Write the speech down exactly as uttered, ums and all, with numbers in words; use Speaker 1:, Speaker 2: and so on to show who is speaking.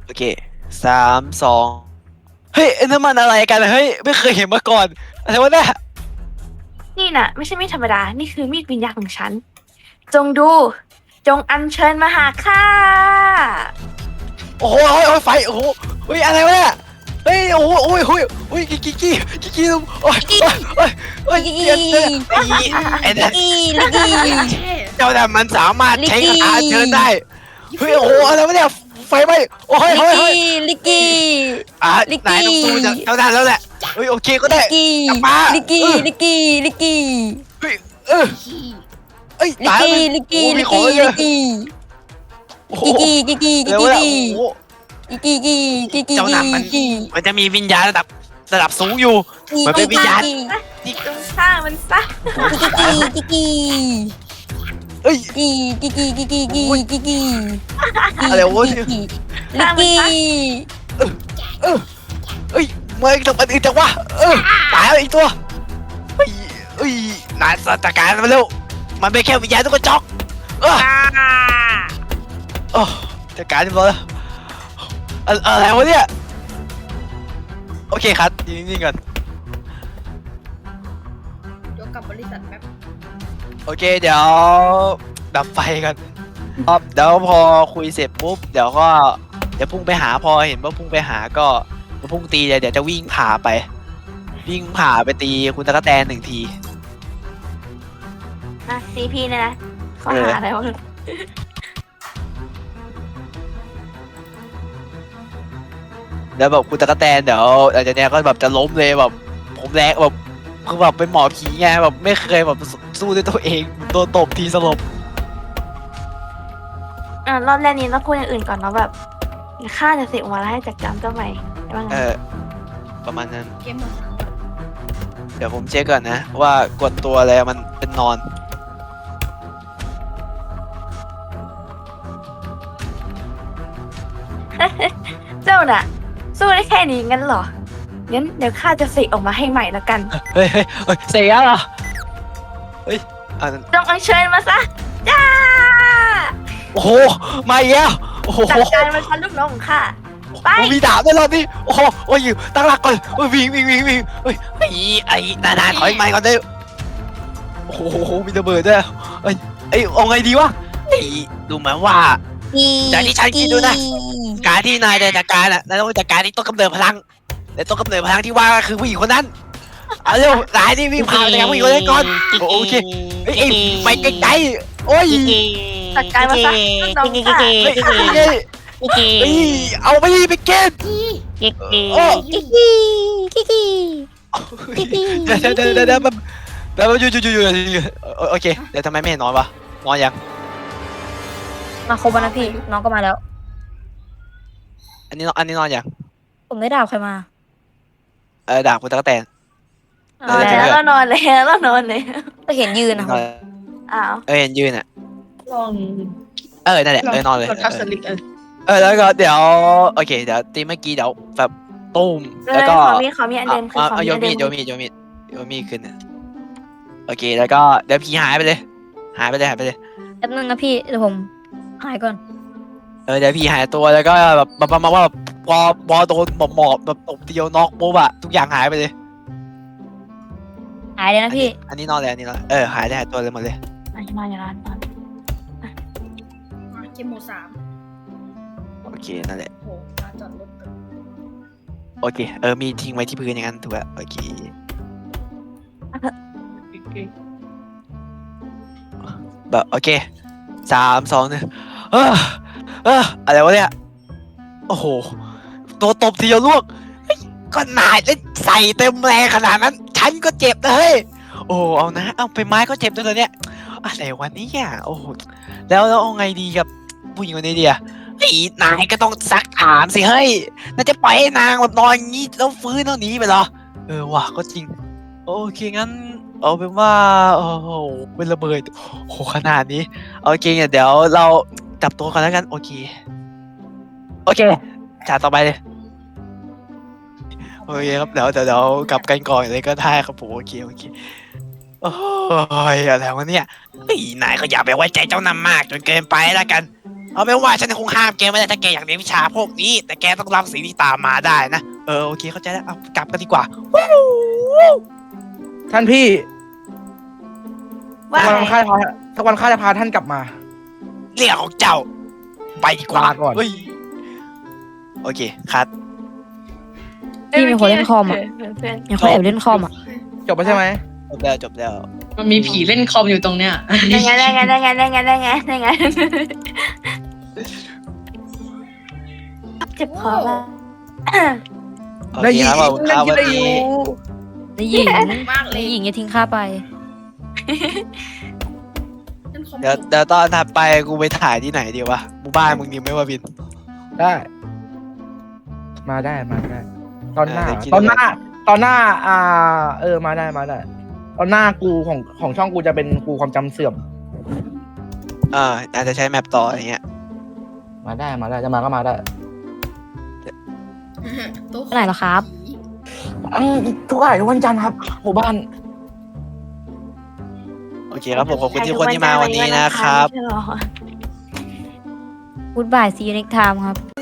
Speaker 1: โอเคสามสองเฮ้ยนั่นมันอะไรกันเฮ้ยไม่เคยเห็นมาก่อนอะไรวะเนี่ย
Speaker 2: นี่น่ะไม่ใช่มีดธรรมดา นี่คือมีดวิญญาณของฉัน จงดู จงอัญเชิญมาหาข้า
Speaker 1: โอ้โหโอ้ยโอ้ยไฟโอ้โหเฮ้ยอะไรวะเนี่ยเฮ้ยโอ้โหโอ้ยโอ้ยโอ้ยกิกกี้กิกกี้โอ้ยโอ้ยโอ้ยโอ้ยเจ็บเลยไอ้ไอ้นั่น
Speaker 3: กี้ลิกกี้
Speaker 1: เจ้าแต่มันสามารถใช้คาถาเชิญได้เฮ้ยโอ้โหอะไรวะเนี่ยไฟไหม้โอ้ย
Speaker 3: ลิก
Speaker 1: เฮ้ยเฮ้ย
Speaker 3: กี้ลิกกี้
Speaker 1: อ่ะ
Speaker 3: ลิกกี้
Speaker 1: นายต้องสู้จากเจ้าหน้าแล้วแหละเฮ้ยโอเคก็ได้
Speaker 3: ลิกกี้
Speaker 1: กลับมา
Speaker 3: ลิกกี้
Speaker 1: เออ
Speaker 3: ลิกกี้ลิกกี้
Speaker 1: เฮ้ยเออเอ้ย
Speaker 3: ลิก
Speaker 1: ตายแล้ว
Speaker 3: กี้
Speaker 1: มัน
Speaker 3: ลิกกี้
Speaker 1: โอ้
Speaker 3: ลิ
Speaker 1: มี
Speaker 3: ก
Speaker 1: ของ
Speaker 3: กี้
Speaker 1: เย
Speaker 3: ลิ
Speaker 1: อะ
Speaker 3: กกี้
Speaker 1: โอ้โห
Speaker 3: กิกกี้กิกกี้กิ
Speaker 1: แล้
Speaker 3: ก
Speaker 1: ว
Speaker 3: กี้
Speaker 1: เนี่ยโอ้โห
Speaker 3: กิกกี้กิกกี้
Speaker 1: เจ้าหน้ามัน
Speaker 3: กิก
Speaker 1: มันจะมีวิญญาณระดับระดับสูงอยู่
Speaker 3: กี้
Speaker 1: มันเป็นวิญญาณ
Speaker 3: กิก
Speaker 2: จงฆ่ามันซะ
Speaker 3: กี้กิกกี้
Speaker 1: เอ้ย
Speaker 3: กี้กิกกี้กิกกี้กิกกี้กิกกี้
Speaker 1: อะไรวะ
Speaker 3: ลิกกี้ลิกกี้
Speaker 1: เออเอ้ยไม่ทำอันอื่นจังวะเออตายแล้วอีกตัวเฮ้ยเอ้ยนายจัดการมันเร็วมันเป็นแค่วิญญาณตุ๊กจอกเออโอ้จัดการมันแล้วอะอะไรวะเนี่ยโอเคครับยืนนิ่งๆก่อน
Speaker 4: ยกกลับบริษัทแป๊บ
Speaker 1: โอเคเดี๋ยวดับไฟกันครับเดี๋ยวพอคุยเสร็จปุ๊บเดี๋ยวก็เดี๋ยวพุ่งไปหาพอเห็นว่าพุ่งไปหาก็เดี๋ยวพุ่งตีเลยเดี๋ยวจะวิ่งผ่าไป วิ่งผ่าไปตีคุณตะกะแตนหนึ่งที
Speaker 2: นะซีพีเนี่ยนะข้อ
Speaker 1: เออ
Speaker 2: หาอะไรวะ
Speaker 1: แล้วแบบคุณตะกะแตนเดี๋ยวหลังจากเนี้ยก็แบบจะล้มเลยแบบผมแรงแบบคือแบบเป็นหมอผีไงแบบไม่เคยแบบสู้ด้วยตัวเองโดนตบทีสลบ
Speaker 2: อ่ะรอบแรกนี้เราพูดอย่างอื่นก่อนเนาะแบบฆ่าจะเสกออกมาแล้วให้จัดการเจ้าใหม่ได้บ้างไง
Speaker 1: เออประมาณนั้น
Speaker 4: เกมหมดสามก่อน
Speaker 1: เดี๋ยวผมเช็คก่อนนะ ว่ากดตัวอะไรมันเป็นนอน
Speaker 2: เจ้าน่ะ สู้ได้แค่นี้งั้นเหรอ งั้นเดี๋ยวข้าจะเสกออกมาให้ใหม่ละกัน
Speaker 1: เฮ้ยเฮ้ยเฮ้ยเสียเหรอเฮ้ยอ่า
Speaker 2: จงอัญเชิญมาซะจ้า
Speaker 1: โอ้โหมาอีกแล้วโอ้โห
Speaker 2: จัดการมันพันลูกน้องของข้า ไป
Speaker 1: โอ้มีดาบด้วยรอบนี้โอ้โหโอ้ยอยู่ตั้งหลักก่อนโอ้ยวิ่งวิ่งวิ่งวิ่งเฮ้ยไอ้ไอ้นานๆถอยมาก่อนได้โอ้โหมีระเบิดด้วยเอ้ยไอ้ยเอาไงดีวะไอ้ดูเหมือนว่า จากที่ฉันคิดดูนะ การที่นายจะจัดการอ่ะนายต้องจัดการที่ต้นกำเนิดพลังและต้นกำเนิดพลังที่ว่าก็คือผู้หญิงคนนั้นเอาเร็วนายนี่วิ่งผ่านไปกับผู้หญิงคนนั้นก่อนโอเคเฮ้ยเอ้ยไปไกลๆโอ้ย
Speaker 2: จัดการมาซะลูกน้องข้า
Speaker 1: เฮ้ยเฮ้ยเฮ้ยเอาไปไปเก็บโอ้
Speaker 3: กิกกี้กิกกี้
Speaker 1: เดี๋ยวเดี๋ยวเดี๋ยวเดี๋ยวเดี๋ยวอยู่อยู่อยู่อยู่โอเคเดี๋ยวทำไมไม่เห็นนอนวะนอนยัง
Speaker 3: มาครบแล้วนะพี่น้องก็มาแล้ว
Speaker 1: อันนี้นอนอันนี้นอนยัง
Speaker 3: ผมได้ดาวใครมา
Speaker 1: เออด่าคุณตะกแตน
Speaker 2: นอนแล้วเรานอนแล้วเรานอนเลย
Speaker 3: ก็เห็นยืนนะ
Speaker 1: น
Speaker 3: ครั
Speaker 1: อบ น
Speaker 2: อ้าว
Speaker 1: เออเห็นยืนอ่ะ
Speaker 4: ลอง
Speaker 1: เออนั่นแหละเออนอนเลย
Speaker 4: กดทับสลิกเออ
Speaker 1: เออแล้วก็เดี๋ยวโอเคเดี๋ยวตีเมื่อกี้เดี๋ยวแบบตุ้ม
Speaker 2: เล
Speaker 1: แล้ว
Speaker 2: ย
Speaker 1: ก็
Speaker 2: ขอมีขอมีอันเดิมคือ
Speaker 1: เอา
Speaker 2: ขอ
Speaker 1: เอา
Speaker 2: มี
Speaker 1: โย
Speaker 2: อันเดิ
Speaker 1: มี
Speaker 2: ม
Speaker 1: ดโยมีดโยมีดโยมีดขึ้นนะโอเคแล้วก็เดี๋ยวผีหายไปเลย หายไปเลยหายไปเลย
Speaker 3: แป๊บนึงนะพี่เดี๋ยวผมหายก่อน
Speaker 1: เออเดี๋ยวผีหายตัวแล้วก็แบบประมาณว่าแบบพอพอโดนหมอบหมอบแบบตบเดียวน็อกปุ๊บอะทุกอย่างหายไปเลย
Speaker 3: หายเลยนะพี่
Speaker 1: อันนี้นอนเลยอันนี้นอนเออหายได้หายตัวเลยหมดเลย
Speaker 2: อ่ะนอนอย่านอนนอน
Speaker 4: มาเกมหมดสาม
Speaker 1: โอเคนั่นแหละ
Speaker 4: โอ้โหลานจอดรถกัน
Speaker 1: โอเคเออมีทิ้งไว้ที่พื้นอย่างนั้นถูกแล้วโอเคแบบโอเคสามสองหนึ่งเออเอออะไรวะเนี่ยโอ้โหตัวตบทีเดียวลวกเฮ้ยก็นายเล่นใส่เต็มแรงขนาดนั้น ฉันก็เจ็บนะเฮ้ยโอ้เอานะเอาไปไม้ก็เจ็บด้วยเลยเนี่ยอะไรวะเนี่ยโอ้โหแล้วแล้วเอาไงดีกับผู้หญิงคนนี้ดีอะไอ้นายก็ต้องซักถามสิเฮ้ยน่าจะปล่อยให้นางแบบนอนอย่างนี้แล้วฟื้นแล้วหนีไปเหรอเออว่ะก็จริงโอเคงั้นเอาเป็นว่าโอ้โหเป็นระเบิดโอ้โหขนาดนี้โอเคเดี๋ยวเราจับตัวกันแล้วกันโอเคโอเคฉากต่อไปเลยโอเคครับเดี๋ยวเดี๋ยวเดี๋ยวกลับกันก่อนเลยก็ได้ครับผมโอเคโอเคโอ้ยอะไรวะเนี่ยเฮ้ยนายก็อย่าไปไว้ใจเจ้านำมากจนเกินไปแล้วกันเอาเป็นว่าฉันคงห้ามแกไม่ได้ถ้าแกอยากเรียนวิชาพวกนี้ แต่แกต้องรับสิ่งที่ตามมาได้นะเออโอเคเข้าใจแล้วเอากลับกันดีกว่า
Speaker 5: ท่านพี่
Speaker 2: ว่า
Speaker 5: สัก
Speaker 2: ไง
Speaker 5: วันข้าจะพาสักวันข้าจะพาท่านกลับมา
Speaker 1: เรื่องของเจ้า ไปดีกว่า
Speaker 5: ลาก่อน
Speaker 1: เฮ้ยโอเคคัด
Speaker 3: พี่มีคนเล่นคอมอ่ะ
Speaker 2: เพื่อนเพื่อน
Speaker 3: มีคนแอบเล่นคอมอ่ะ
Speaker 5: จบไปใช่ไหม
Speaker 1: จบแล้วจบแล้ว
Speaker 6: มันมีผีเล่นคอมอยู่ตรงเนี้ย
Speaker 2: ได้ไงได้ไงได้ไงได้ไงได้ไงได้ไงเจ็บคอแล้ว
Speaker 1: โอเคครับขอบคุณครับ
Speaker 5: ได้
Speaker 1: วัน
Speaker 5: ยิน
Speaker 1: นี้
Speaker 3: ในหญิง
Speaker 4: มากเล
Speaker 3: ใน
Speaker 4: ย
Speaker 3: หญิงอย่าทิ้งข้าไป
Speaker 4: ฉันคอม
Speaker 1: เดี๋ยวเดี๋ยวตอนถัดไปกูไปถ่ายที่ไหนดีวะหมู่บ้านมึงดีไหมวะบิน
Speaker 5: ได้ มาได้มาได้ ตอนหน้า
Speaker 1: เออได้คิด
Speaker 5: ตอนหน้า ตอนหน้า อ่า เออมาได้มาได้ ตอนหน้ากูของของช่องกูจะเป็นกูความจำเสื่อม
Speaker 1: เอออาจจะใช้แมปต่ออย่างเงี้ย
Speaker 5: มาได้มาได้จะมาก็มาได้
Speaker 4: โต๊ะ
Speaker 3: เมื่อไหร่เหรอครับ
Speaker 5: อืมทุกอ่ายทุกวันจันทร์ครับหมู่บ้าน
Speaker 1: โอเคครับผมขอบคุณที่คนที่มาวันนี้นะครับ
Speaker 2: ใช่หรอ
Speaker 3: Goodbye see you next time ครับ